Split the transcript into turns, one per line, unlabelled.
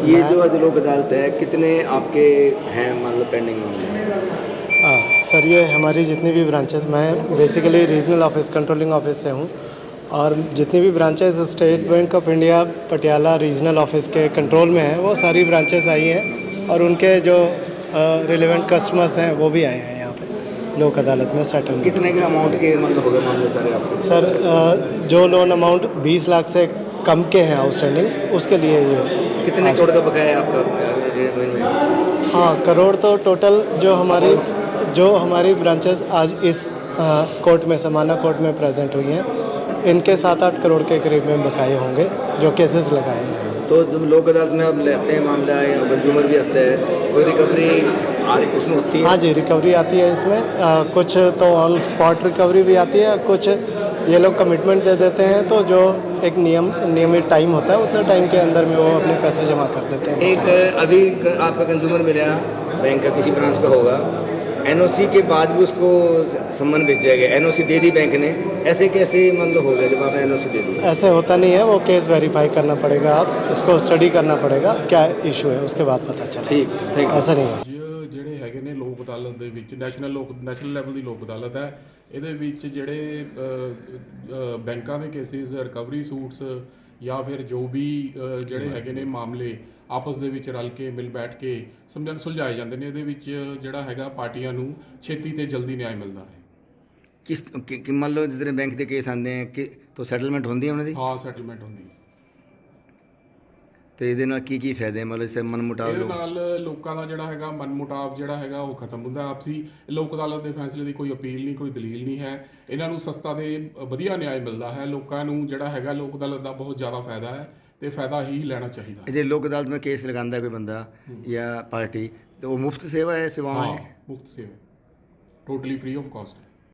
ये जो आज लोक अदालत है, कितने आपके हैं मान लो पेंडिंग मामले?
सर ये हमारी जितनी भी ब्रांचेस, मैं basically regional office controlling office से हूँ, और जितनी भी branches State Bank of India Patiala regional office के कंट्रोल में हैं, वो सारी ब्रांचेस आई हैं और उनके जो रिलेवेंट कस्टमर्स हैं वो भी आए हैं यहाँ पे लोक अदालत में सेटल।
कितने के अमाउंट के मतलब हो गए मामले सारे आपके?
सर जो लोन अमाउंट 20 लाख से कम के हैं आउटस्टैंडिंग, उसके लिए ये
कितने करोड़ का बकाया है आपका?
हाँ, करोड़ तो टोटल जो हमारी ब्रांचेस आज इस कोर्ट में, समाना कोर्ट में प्रेजेंट हुई हैं, इनके 7-8 करोड़ के करीब में बकाए होंगे जो केसेस लगाए हैं।
तो जब लोक अदालत में आप लेते हैं मामला या कंज्यूमर भी आता है, कोई रिकवरी उसमें होती है?
हाँ जी, रिकवरी आती है इसमें। कुछ तो ऑन स्पॉट रिकवरी भी आती है, कुछ ये लोग कमिटमेंट दे देते हैं, तो जो एक नियमित टाइम होता है उतने टाइम के अंदर में वो अपने पैसे जमा कर देते हैं।
एक अभी आपका कंज्यूमर मिला बैंक का, किसी ब्रांच का होगा, एनओसी के बाद भी उसको सम्मन भेजा गया, एनओसी दे दी बैंक ने, ऐसे कैसे मतलब हो गया जब आपने एनओसी दे दी?
ऐसे होता नहीं है, वो केस वेरीफाई करना पड़ेगा, आप उसको स्टडी करना पड़ेगा क्या इशू है, उसके बाद पता चले।
ठीक,
ऐसा नहीं है।
ਜਿਹੜੇ ਹੈਗੇ ਨੇ ਲੋਕ ਅਦਾਲਤ ਦੇ ਵਿੱਚ ਨੈਸ਼ਨਲ ਲੈਵਲ ਦੀ ਲੋਕ ਅਦਾਲਤ ਹੈ। ਇਹਦੇ ਵਿੱਚ ਜਿਹੜੇ ਬੈਂਕਾਂ ਦੇ ਕੇਸਿਸ, ਰਿਕਵਰੀ ਸੂਟਸ ਜਾਂ ਫਿਰ ਜੋ ਵੀ ਜਿਹੜੇ ਹੈਗੇ ਨੇ ਮਾਮਲੇ ਆਪਸ ਦੇ ਵਿੱਚ ਰਲ ਕੇ ਮਿਲ ਬੈਠ ਕੇ ਸੁਲਝਾਏ ਜਾਂਦੇ ਨੇ। ਇਹਦੇ ਵਿੱਚ ਜਿਹੜਾ ਹੈਗਾ ਪਾਰਟੀਆਂ ਨੂੰ ਛੇਤੀ ਤੇ ਜਲਦੀ ਨਿਆਂ ਮਿਲਦਾ ਹੈ।
ਕਿਸ ਮੰਨ ਲਓ ਜਿਸ ਤਰ੍ਹਾਂ ਬੈਂਕ ਦੇ ਕੇਸ ਆਉਂਦੇ ਆ ਕਿ ਤਾਂ ਸੈਟਲਮੈਂਟ ਹੁੰਦੀ ਹੈ ਉਹਨਾਂ ਦੀ?
ਹਾਂ, ਸੈਟਲਮੈਂਟ ਹੁੰਦੀ ਹੈ।
ਤੇ ਇਹਦੇ ਨਾਲ ਕੀ ਫਾਇਦੇ ਮਤਲਬ ਜਿਵੇਂ ਮਨਮੁਟਾਵ?
ਇਹਦੇ ਨਾਲ ਲੋਕਾਂ ਦਾ ਜਿਹੜਾ ਹੈਗਾ ਮਨਮੁਟਾਵ ਜਿਹੜਾ ਹੈਗਾ ਉਹ ਖਤਮ ਹੁੰਦਾ ਆਪਸੀ। ਲੋਕ ਅਦਾਲਤ ਦੇ ਫੈਸਲੇ ਦੀ ਕੋਈ ਅਪੀਲ ਨਹੀਂ, ਕੋਈ ਦਲੀਲ ਨਹੀਂ ਹੈ। ਇਹਨਾਂ ਨੂੰ ਸਸਤਾ ਤੇ ਵਧੀਆ ਨਿਆਂ ਮਿਲਦਾ ਹੈ। ਲੋਕਾਂ ਨੂੰ ਜਿਹੜਾ ਹੈਗਾ ਲੋਕ ਅਦਾਲਤ ਦਾ ਬਹੁਤ ਜ਼ਿਆਦਾ ਫਾਇਦਾ ਹੈ ਤੇ ਫਾਇਦਾ ਹੀ ਲੈਣਾ ਚਾਹੀਦਾ ਹੈ।
ਜੇ ਲੋਕ ਅਦਾਲਤ में केस लगाता है कोई बंदा या पार्टी, तो वो मुफ्त सेवा है, सेवाएं?
मुफ्त सेवा, टोटली फ्री ऑफ कॉस्ट।